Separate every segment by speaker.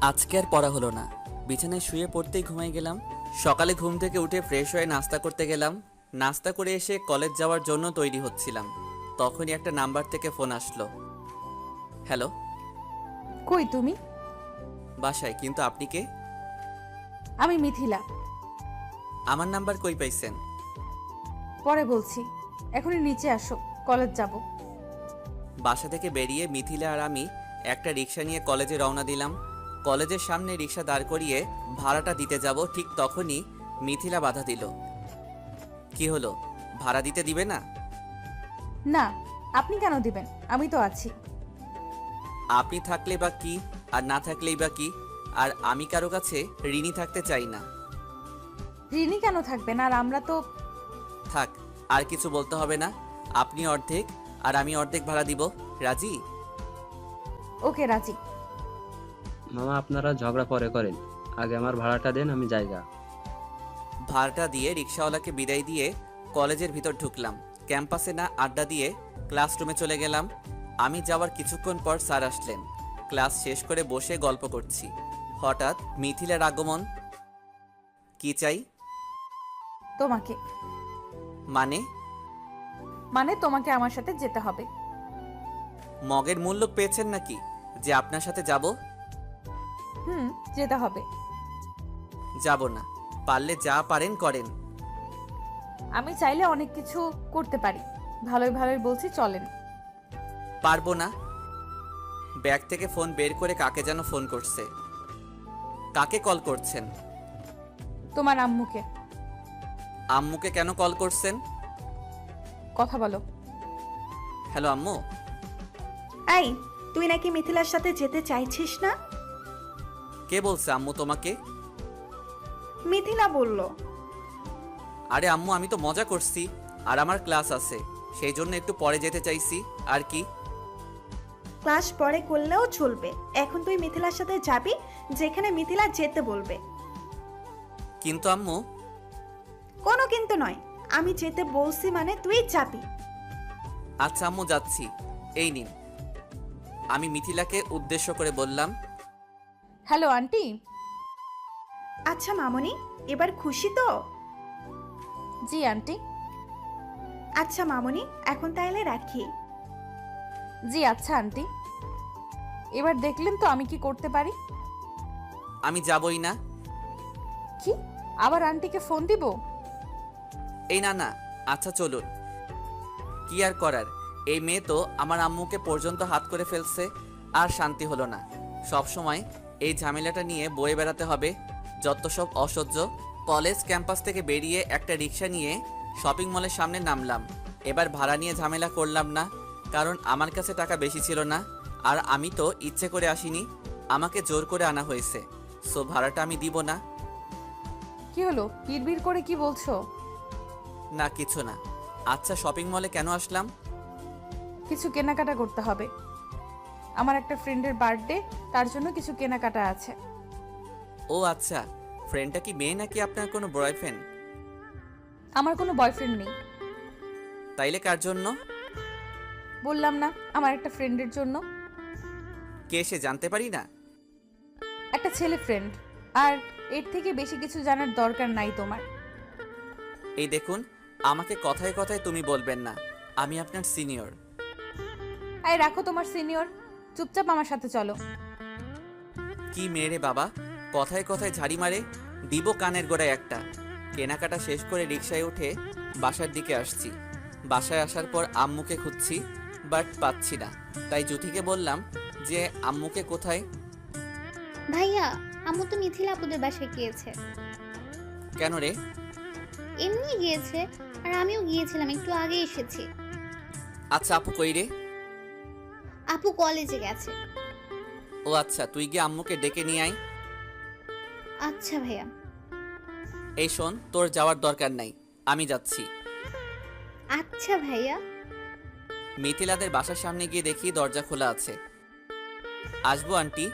Speaker 1: আজকে আর পড়া হলো না। বিছানায় শুয়ে পড়তেই ঘুমাই গেলাম। সকালে ঘুম থেকে উঠে ফ্রেশ হয়ে নাস্তা করতে গেলাম। নাস্তা করে এসে কলেজ যাওয়ার জন্য তৈরি হচ্ছিলাম, তখনই একটা নাম্বার থেকে ফোন আসলো। হ্যালো।
Speaker 2: কই তুমি?
Speaker 1: বাসায়, কিন্তু আপনি কে?
Speaker 2: আমি মিথিলা।
Speaker 1: আমার নাম্বার কই পাইছেন?
Speaker 2: পরে বলছি, এখনই নিচে আসো, কলেজ যাব।
Speaker 1: বাসা থেকে বেরিয়ে মিথিলা আর আমি একটা রিক্সা নিয়ে কলেজে রওনা দিলাম। কলেজের সামনে রিক্সা দাঁড় করিয়ে ভাড়াটা দিতে যাব, ঠিক তখনই মিথিলা বাধা দিল। কি হলো, ভাড়া দিতে দিবে না?
Speaker 2: না, আপনি কেন দিবেন? আমি তো আছি।
Speaker 1: আপনি থাকলে বা কি, আর না থাকলেই বা কি? আর আমি কারো কাছে ঋণী থাকতে চাই না।
Speaker 2: ঋণী কেন থাকবেন? আর আমরা তো...
Speaker 1: থাক, আর কিছু বলতে হবে না। আপনি অর্ধেক আর আমি অর্ধেক ভাড়া দিব। রাজি?
Speaker 2: ওকে, রাজি।
Speaker 3: মামা, আপনারা ঝগড়া পরে করেন, আগে আমার ভাড়াটা দেন, আমি জায়গা।
Speaker 1: ভাড়াটা দিয়ে রিক্সাওয়ালাকে বিদায় দিয়ে কলেজের ভিতর ঢুকলাম। ক্যাম্পাসে না আড্ডা দিয়ে ক্লাসরুমে চলে গেলাম। আমি যাওয়ার কিছুক্ষণ পর স্যার আসলেন। ক্লাস শেষ করে বসে গল্প করছি, হঠাৎ মিথিলার আগমন। কি চাই?
Speaker 2: তোমাকে।
Speaker 1: মানে?
Speaker 2: মানে তোমাকে আমার সাথে যেতে হবে।
Speaker 1: মগের মূল্য পেয়েছেন নাকি যে আপনার সাথে যাব?
Speaker 2: যেতে হবে।
Speaker 1: যাব না। পারলে যা পারেন করেন।
Speaker 2: আমি চাইলে অনেক কিছু করতে পারি। ভালোই ভালোই বলছি, চলেন।
Speaker 1: পারবো না। ব্যাগ থেকে ফোন বের করে কাকে যেন ফোন করছে। কাকে কল করছেন?
Speaker 2: তোমার আম্মুকে।
Speaker 1: আম্মুকে কেন কল করছেন?
Speaker 2: কথা বলো।
Speaker 1: হ্যালো আম্মু।
Speaker 4: এই, তুই নাকি মিথিলার সাথে যেতে চাইছিস না?
Speaker 1: কে বলছে আম্মু তোমাকে?
Speaker 4: মিথিলা বলল।
Speaker 1: আরে আম্মু, আমি তো মজা করছি, আর আমার ক্লাস আছে, সেই জন্য একটু পরে যেতে চাইছি। আর কি?
Speaker 4: ক্লাস পরে করলেও চলবে, এখন তুই মিথিলার সাথে যাবি যেখানে মিথিলা যেতে বলবে।
Speaker 1: কিন্তু আম্মু।
Speaker 4: কোনো কিন্তু নয়, আমি যেতে বলছি মানে তুই যাবি।
Speaker 1: আচ্ছা আম্মু, যাচ্ছি। এই নিন। আমি মিথিলাকে উদ্দেশ্য করে বললাম।
Speaker 2: Hello aunty.
Speaker 4: আচ্ছা মামনি, এবার খুশি তো?
Speaker 2: জি আন্টি।
Speaker 4: আচ্ছা মামনি, এখন তাহলে রাখি।
Speaker 2: জি আচ্ছা আন্টি। এবার দেখলেন তো আমি কি করতে পারি।
Speaker 1: আমি যাবই না।
Speaker 2: কি? আবার আন্টিকে ফোন দিব?
Speaker 1: এই না না, আচ্ছা চলুন। কি আর করার, এই মেয়ে তো আমার আম্মুকে পর্যন্ত হাত করে ফেলছে। আর শান্তি হলো না। সব সময় এই ঝামেলাটা নিয়ে বয়ে বেড়াতে হবে, যত সব অসহ্য। কলেজ ক্যাম্পাস থেকে বেরিয়ে একটা রিক্সা নিয়ে শপিং মলের সামনে নামলাম। এবার ভাড়া নিয়ে ঝামেলা করলাম না, কারণ আমার কাছে টাকা বেশি ছিল না। আর আমি তো ইচ্ছে করে আসিনি, আমাকে জোর করে আনা হয়েছে। সো ভাড়াটা আমি দিব না।
Speaker 2: কি হলো, বিড়বিড় করে কি বলছো?
Speaker 1: না, কিছু না। আচ্ছা, শপিং মলে কেন আসলাম?
Speaker 2: কিছু কেনাকাটা করতে হবে। আমার একটা ফ্রেন্ডের বার্থডে, তার জন্য কিছু কেনাকাটা আছে।
Speaker 1: ও আচ্ছা, ফ্রেন্ডটা কি মেয়ে নাকি আপনার কোনো বয়ফ্রেন্ড?
Speaker 2: আমার কোনো বয়ফ্রেন্ড নেই।
Speaker 1: তাইলে কার জন্য?
Speaker 2: বললাম না, আমার একটা ফ্রেন্ডের জন্য।
Speaker 1: কে সে, জানতে পারি না?
Speaker 2: একটা ছেলে ফ্রেন্ড। আর এর থেকে বেশি কিছু জানার দরকার নাই তোমার।
Speaker 1: এই দেখুন, আমাকে কথায় কথায় তুমি বলবেন না, আমি আপনার সিনিয়র।
Speaker 2: আয় রাখো তোমার সিনিয়র, চুপচাপ আমার সাথে চলো।
Speaker 1: কি মেরে বাবা, কথায় কথায় ঝাড়ি মারে, দিব কানের গোড়ায় একটা। কেনাকাটা শেষ করে রিকশায় উঠে বাসার দিকে আসছি। বাসায় আসার পর আম্মুকে খুঁজছি, বাট পাচ্ছি না। তাই জুথিকে বললাম যে আম্মুকে কোথায়।
Speaker 5: ভাইয়া, আম্মু তো মিথিলা আপুদের বাসায় গিয়েছে।
Speaker 1: কেন রে?
Speaker 5: এমনি গিয়েছে, আর আমিও গিয়েছিলাম, একটু আগে এসেছি।
Speaker 1: আচ্ছা, আপু কই রে?
Speaker 5: আপু কলেজে গেছে।
Speaker 1: ও আচ্ছা, তুই গিয়ে আম্মুকে ডেকে নিয়ে আয়।
Speaker 5: আচ্ছা ভাইয়া।
Speaker 1: এই শোন, তোর যাওয়ার দরকার নাই, আমি যাচ্ছি।
Speaker 5: আচ্ছা ভাইয়া।
Speaker 1: মিথিলাদের বাসার সামনে গিয়ে দেখি দরজা খোলা আছে। আসবো আন্টি?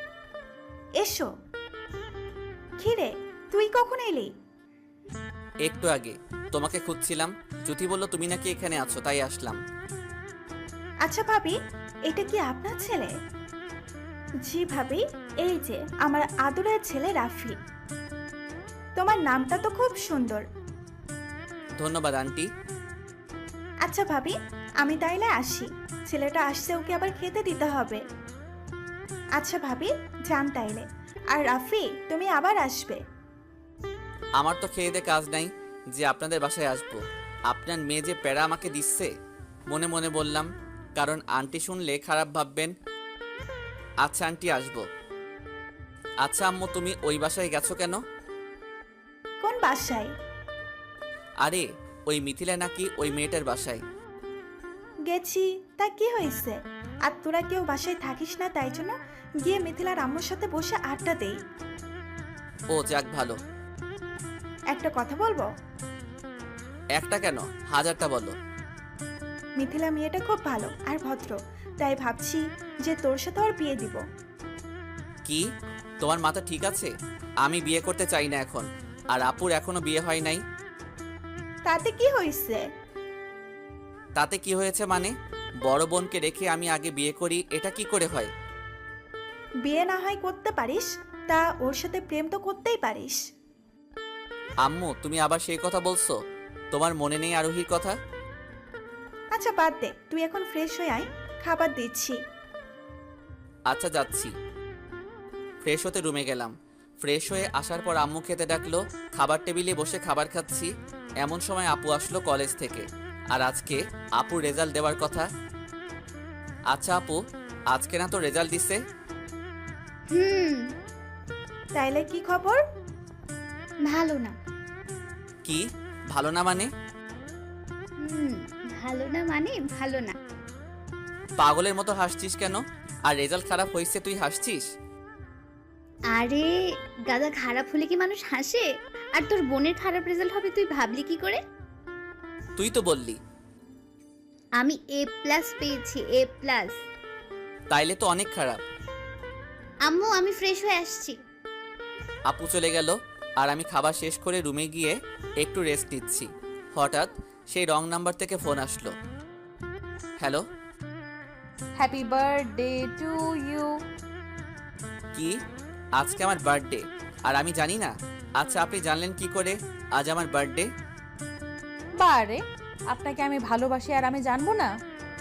Speaker 4: এসো। খিরে, তুই কখন এলি?
Speaker 1: একটু আগে। তোমাকে খুঁজছিলাম, জ্যোতি বলল তুমি নাকি এখানে আছো, তাই আসলাম।
Speaker 4: আচ্ছা ভাবি, এটা কি আপনার ছেলে? জি ভাবি, এই যে আমার আদরের ছেলে রাফি। তোমার নামটা তো খুব সুন্দর।
Speaker 1: ধন্যবাদ আন্টি।
Speaker 4: আচ্ছা ভাবি, আমি তাইলে আসি, ছেলেটা আসছে, ওকে আবার খেতে দিতে হবে। আচ্ছা ভাবি, যান তাইলে। আর রাফি, তুমি আবার আসবে।
Speaker 1: আমার তো খেয়ে দে কাজ নাই যে আপনাদের বাসায় আসবো। আপনার মেয়ে যে প্যারা আমাকে দিচ্ছে, মনে মনে বললাম, কারণ আন্টি শুনলে খারাপ ভাববেন। আচ্ছা আন্টি, আসবো। আচ্ছা আম্মু, তুমি ওই বাসায় গেছো কেন?
Speaker 4: কোন বাসায়?
Speaker 1: আরে ওই মিথিলা নাকি ওই মেয়েটার বাসায়।
Speaker 4: গেছি, তা কি হয়েছে? আর তোরা কেউ বাসায় থাকিস না, তাই জন্য গিয়ে মিথিলার আম্মুর সাথে বসে আড্ডা দেই।
Speaker 1: ও যাক ভালো।
Speaker 4: একটা কথা বলবো?
Speaker 1: একটা কেন, হাজারটা বলো।
Speaker 4: মিথিলা মেয়েটা খুব ভালো আর ভদ্র, তাই ভাবছি যে তোর সাথে ওর বিয়ে দিব।
Speaker 1: কি, তোমার মাথা ঠিক আছে? আমি বিয়ে করতে চাই না এখন, আর আপুর এখনো বিয়ে হয় নাই।
Speaker 4: তাতে কি হয়েছে?
Speaker 1: তাতে কি হয়েছে মানে? বড় বোনকে রেখে আমি আগে বিয়ে করি, এটা কি করে হয়?
Speaker 4: বিয়ে না হয় করতে পারিস, তা ওর সাথে প্রেম তো করতেই পারিস।
Speaker 1: আম্মু, তুমি আবার সেই কথা বলছো? তোমার মনে নেই আরোহীর কথা?
Speaker 4: আচ্ছা বাদ দে, তুই এখন ফ্রেশ হয়ে আয়, খাবার দিচ্ছি।
Speaker 1: আচ্ছা যাচ্ছি। ফ্রেশ হতে রুমে গেলাম। ফ্রেশ হয়ে আসার পর আম্মু খেতে ডাকলো। খাবার টেবিলে বসে খাবার খাচ্ছি, এমন সময় আপু আসলো কলেজ থেকে। আর আজকে আপুর রেজাল্ট দেওয়ার কথা। আচ্ছা আপু, আজকে না তো রেজাল্ট দিছে?
Speaker 5: হুম।
Speaker 4: তাইলে কি খবর?
Speaker 5: ভালো না।
Speaker 1: কি ভালো না মানে?
Speaker 5: হুম। ভালো না মানে ভালো না।
Speaker 1: পাগলের মতো হাসছিস কেন? আর রেজাল্ট খারাপ হয়েছে তুই হাসছিস?
Speaker 5: আরে গাদা, খারাপ হলে কি মানুষ হাসে? আর তোর বোনের খারাপ রেজাল্ট হবে তুই ভাবলি কি করে?
Speaker 1: তুই তো বললি।
Speaker 5: আমি A+ পেয়েছি, A+।
Speaker 1: তাইলে তো অনেক খারাপ।
Speaker 5: আম্মু, আমি ফ্রেশ হয়ে আসছি।
Speaker 1: আপু চলে গেল আর আমি খাবার শেষ করে রুমে গিয়ে একটু রেস্ট নিচ্ছি। হঠাৎ সেই রং নাম্বার থেকে ফোন আসলো। Hello.
Speaker 2: Happy birthday to you.
Speaker 1: কি, আজকে আমার বার্থডে আর আমি জানি না? আচ্ছা আপনি জানলেন কি করে আজ আমার বার্থডে?
Speaker 2: বারে, আপনাকে আমি ভালোবাসি আর আমি জানবো না?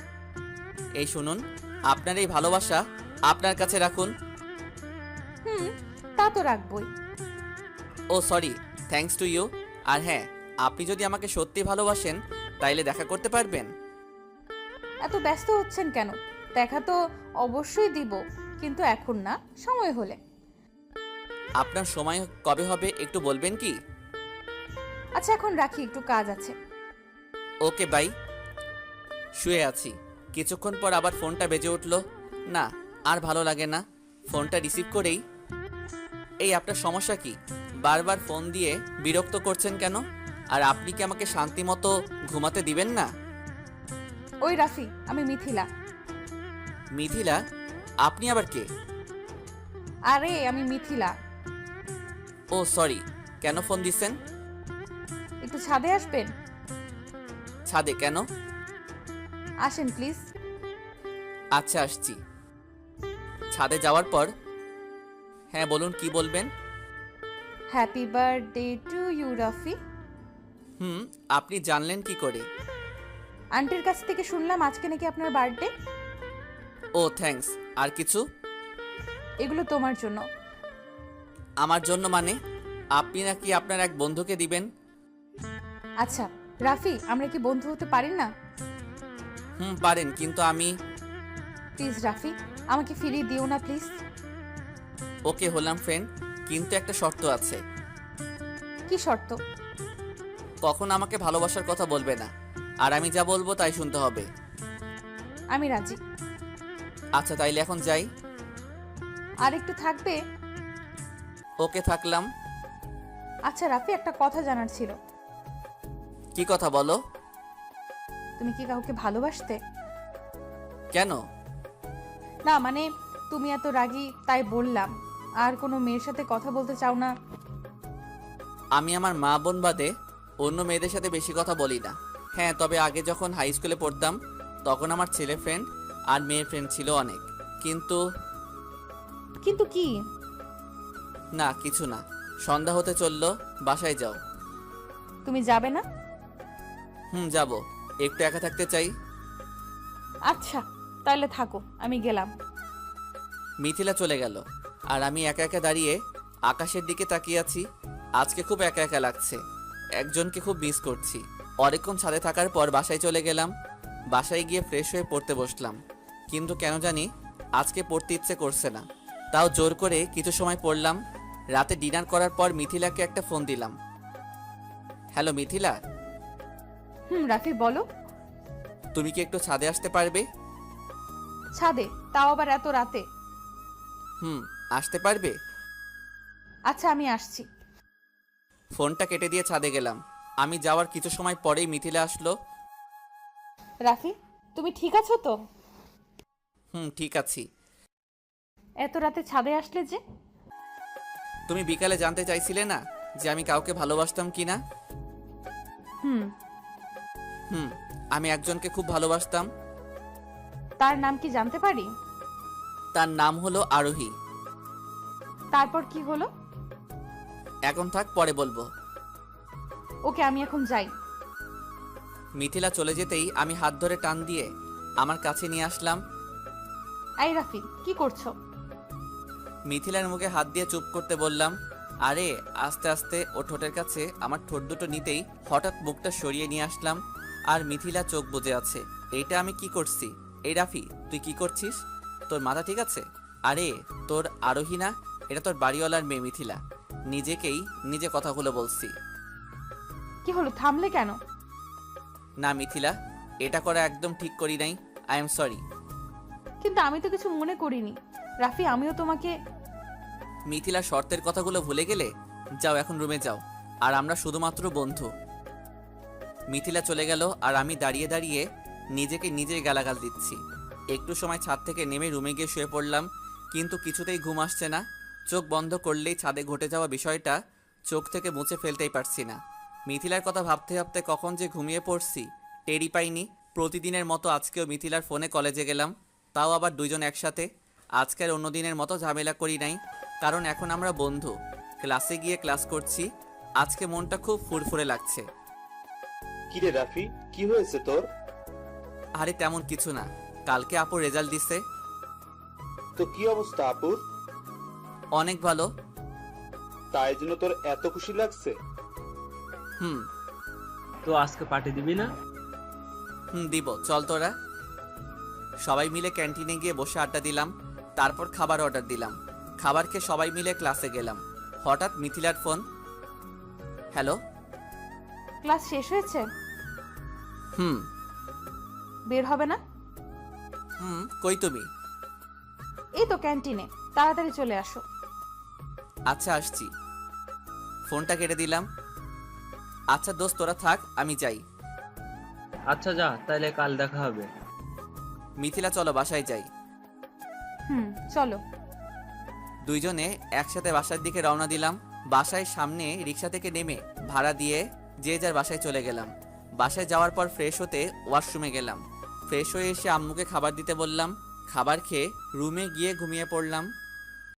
Speaker 1: এই শুনুন, আপনার এই ভালোবাসা আপনার কাছে রাখুন।
Speaker 2: হুম, তা তো রাখবই।
Speaker 1: ও সরি, থ্যাঙ্কস টু ইউ। আর হ্যাঁ, আপনি যদি আমাকে সত্যি ভালোবাসেন তাইলে দেখা করতে পারবেন।
Speaker 2: এত ব্যস্ত হচ্ছেন কেন? দেখা তো অবশ্যই দিব, কিন্তু এখন না, সময় হলে।
Speaker 1: আপনার সময় কবে হবে একটু বলবেন কি?
Speaker 2: আচ্ছা এখন রাখি, একটু কাজ আছে।
Speaker 1: Okay bye. শুয়ে আছি, কিছুক্ষণ পর আবার ফোনটা বেজে উঠলো। না, আর ভালো লাগে না। ফোনটা রিসিভ করেই, এই আপনার সমস্যা কি? বারবার ফোন দিয়ে বিরক্ত করছেন কেন? আর আপনি কি আমাকে শান্তি মতো ঘুমাতে দিবেন না?
Speaker 2: ওই রাফি, আমি মিথিলা।
Speaker 1: মিথিলা? আপনি আবার কে?
Speaker 2: আরে আমি মিথিলা।
Speaker 1: ও সরি, কেন ফোন দিচ্ছেন?
Speaker 2: একটু ছাদে আসবেন?
Speaker 1: ছাদে কেন?
Speaker 2: আসেন প্লিজ।
Speaker 1: আচ্ছা আসছি। ছাদে যাওয়ার পর, হ্যাঁ বলুন কি বলবেন?
Speaker 2: Happy birthday to you Rafi.
Speaker 1: আপনি জানলেন কি করে?
Speaker 2: আন্টির কাছ থেকে শুনলাম আজকে নাকি আপনার বার্থডে।
Speaker 1: ও থ্যাঙ্কস। আর কিছু?
Speaker 2: এগুলো তোমার জন্য।
Speaker 1: আমার জন্য মানে? আপনি নাকি আপনার এক বন্ধুকে দিবেন?
Speaker 2: আচ্ছা রাফি, আমরা কি বন্ধু হতে পারি না?
Speaker 1: পারেন, কিন্তু আমি।
Speaker 2: প্লিজ রাফি, আমাকে ফিরিয়ে দিও না প্লিজ।
Speaker 1: ওকে হলাম ফ্রেন্ড, কিন্তু একটা শর্ত আছে।
Speaker 2: কি শর্ত?
Speaker 1: কখন আমাকে ভালোবাসার কথা বলবে না, আর আমি যা বলবো তাই শুনতে হবে।
Speaker 2: আমি রাজি।
Speaker 1: আচ্ছা তাইলে এখন যাই।
Speaker 2: আর একটু থাকবে?
Speaker 1: ওকে থাকলাম।
Speaker 2: আচ্ছা রাফি, একটা কথা জানার ছিল।
Speaker 1: কি কথা বলো?
Speaker 2: তুমি কি কাউকে ভালোবাসতে?
Speaker 1: কেন?
Speaker 2: না মানে, তুমি এত রাগী তাই বললাম। আর কোনো মেয়ের সাথে কথা বলতে চাও না?
Speaker 1: আমি আমার মা বোন বাদে অন্য মেয়েদের সাথে বেশি কথা বলি না। হ্যাঁ, তবে আগে যখন হাই স্কুলে পড়তাম তখন আমার ছেলে ফ্রেন্ড আর মেয়ে ফ্রেন্ড ছিল অনেক, কিন্তু
Speaker 2: কিন্তু কি?
Speaker 1: না কিছু না, সন্ধ্যা হতে চললো, বাসায় যাও।
Speaker 2: তুমি যাবে না?
Speaker 1: যাব, একটু একা থাকতে চাই।
Speaker 2: আচ্ছা তাহলে থাকো, আমি গেলাম।
Speaker 1: মিথিলা চলে গেল আর আমি একা একা দাঁড়িয়ে আকাশের দিকে তাকিয়ে আছি। আজকে খুব একা একা লাগছে, একজনকে খুব মিস করছি। অনেকক্ষণ ছাদে থাকার পর বাসায় চলে গেলাম। বাসায় গিয়ে ফ্রেশ হয়ে পড়তে বসলাম, কিন্তু কেন জানি আজকে পড়তে ইচ্ছে করছে না। তাও জোর করে কিছু সময় পড়লাম। রাতে ডিনার করার পর মিথিলাকে একটা ফোন দিলাম। হ্যালো মিথিলা,
Speaker 2: রাফি বলো।
Speaker 1: তুমি কি একটু ছাদে আসতে পারবে?
Speaker 2: ছাদে? তাও আবার এত রাতে?
Speaker 1: আসতে পারবে?
Speaker 2: আচ্ছা আমি আসছি।
Speaker 1: ফোনটা কেটে দিয়ে ছাদে গেলাম। আমি যাওয়ার কিছু সময় পরেই মিথিলা আসলো।
Speaker 2: রাফি তুমি ঠিক আছো তো?
Speaker 1: ঠিক আছি।
Speaker 2: এত রাতে ছাদে আসলে যে?
Speaker 1: তুমি বিকালে জানতে চাইছিলে না যে আমি কাউকে ভালোবাসতাম কিনা?
Speaker 2: হুম।
Speaker 1: আমি একজনকে খুব ভালোবাসতাম।
Speaker 2: তার নাম কি জানতে পারি?
Speaker 1: তার নাম হলো আরোহী।
Speaker 2: তারপর কি হলো?
Speaker 1: এখন থাক, পরে বলবো।
Speaker 2: ওকে আমি এখন যাই।
Speaker 1: মিথিলা চলে যেতেই আমি হাত ধরে টান দিয়ে আমার কাছে নিয়ে আসলাম।
Speaker 2: এই রাফি কি করছো?
Speaker 1: মিথিলার মুখে হাত দিয়ে চুপ করতে বললাম। আরে আস্তে আস্তে ও ঠোঁটের কাছে আমার ঠোঁট দুটো নিতেই হঠাৎ মুখটা সরিয়ে নিয়ে আসলাম। আর মিথিলা চোখ বুজে আছে। এইটা আমি কি করছি? এই রাফি তুই কি করছিস? তোর মাথা ঠিক আছে? আরে তোর আরোহী না, এটা তোর বাড়িওয়ালার মেয়ে মিথিলা। নিজেকেই নিজে কথাগুলো বলছি।
Speaker 2: কি হলো, থামলে কেন?
Speaker 1: না মিথিলা, এটা করা একদম ঠিক করি নাই। I am sorry.
Speaker 2: কিন্তু আমি তো কিছু মনে করিনি রাফি, আমিও তোমাকে।
Speaker 1: মিথিলা শর্তের কথাগুলো ভুলে গেলে? যাও এখন রুমে যাও, আর আমরা শুধুমাত্র বন্ধু। মিথিলা চলে গেল আর আমি দাঁড়িয়ে দাঁড়িয়ে নিজেকে নিজেই গালাগাল দিচ্ছি। একটু সময় ছাদ থেকে নেমে রুমে গিয়ে শুয়ে পড়লাম, কিন্তু কিছুতেই ঘুম আসছে না। চোখ বন্ধ করলেই ছাদে ঘটে যাওয়া বিষয়টা চোখ থেকে মুছে ফেলতেই পারছি না। মিথিলার কথা ভাবতে ভাবতে কখন যে ঘুমিয়ে পড়ছি টেরই পাইনি। প্রতিদিনের মতো আজকেও মিথিলার ফোনে কলেজে গেলাম, তাও আবার দুইজন একসাথে। আজকের অন্য দিনের মতো ঝামেলা করি নাই, কারণ এখন আমরা বন্ধু। ক্লাসে গিয়ে ক্লাস করছি। আজকে মনটা খুব ফুরফুরে লাগছে।
Speaker 6: কিরে রাফি, কি হয়েছে তোর?
Speaker 1: আরে তেমন কিছু না, কালকে আপুর রেজাল্ট দিছে।
Speaker 6: তো কি অবস্থা আপুর?
Speaker 1: অনেক ভালো।
Speaker 6: তাই জন্য তোর এত খুশি লাগছে?
Speaker 1: হুম
Speaker 3: তো আজকে পার্টি দিবি না?
Speaker 1: দিব, চল তোরা। সবাই মিলে ক্যান্টিনে গিয়ে বসে আড্ডা দিলাম, তারপর খাবার অর্ডার দিলাম। খাবার খেয়ে সবাই মিলে ক্লাসে গেলাম। হঠাৎ মিথিলার ফোন। হ্যালো।
Speaker 2: ক্লাস শেষ হয়েছে?
Speaker 1: হুম।
Speaker 2: বের হবে না?
Speaker 1: কই তুমি?
Speaker 2: এই তো ক্যান্টিনে, তাড়াতাড়ি চলে আসো।
Speaker 1: আচ্ছা আসছি। ফোনটা কেটে দিলাম। আচ্ছা দোস্ত তোরা থাক, আমি যাই।
Speaker 3: আচ্ছা যা, তাইলে কাল দেখা হবে।
Speaker 1: মিথিলা চলো বাসায় যাই।
Speaker 2: চলো।
Speaker 1: দুইজনে একসাথে বাসার দিকে রওনা দিলাম। বাসায় সামনে রিক্সা থেকে নেমে ভাড়া দিয়ে যে যার বাসায় চলে গেলাম। বাসায় যাওয়ার পর ফ্রেশ হতে ওয়াশরুমে গেলাম। ফ্রেশ হয়ে এসে আম্মুকে খাবার দিতে বললাম। খাবার খেয়ে রুমে গিয়ে ঘুমিয়ে পড়লাম।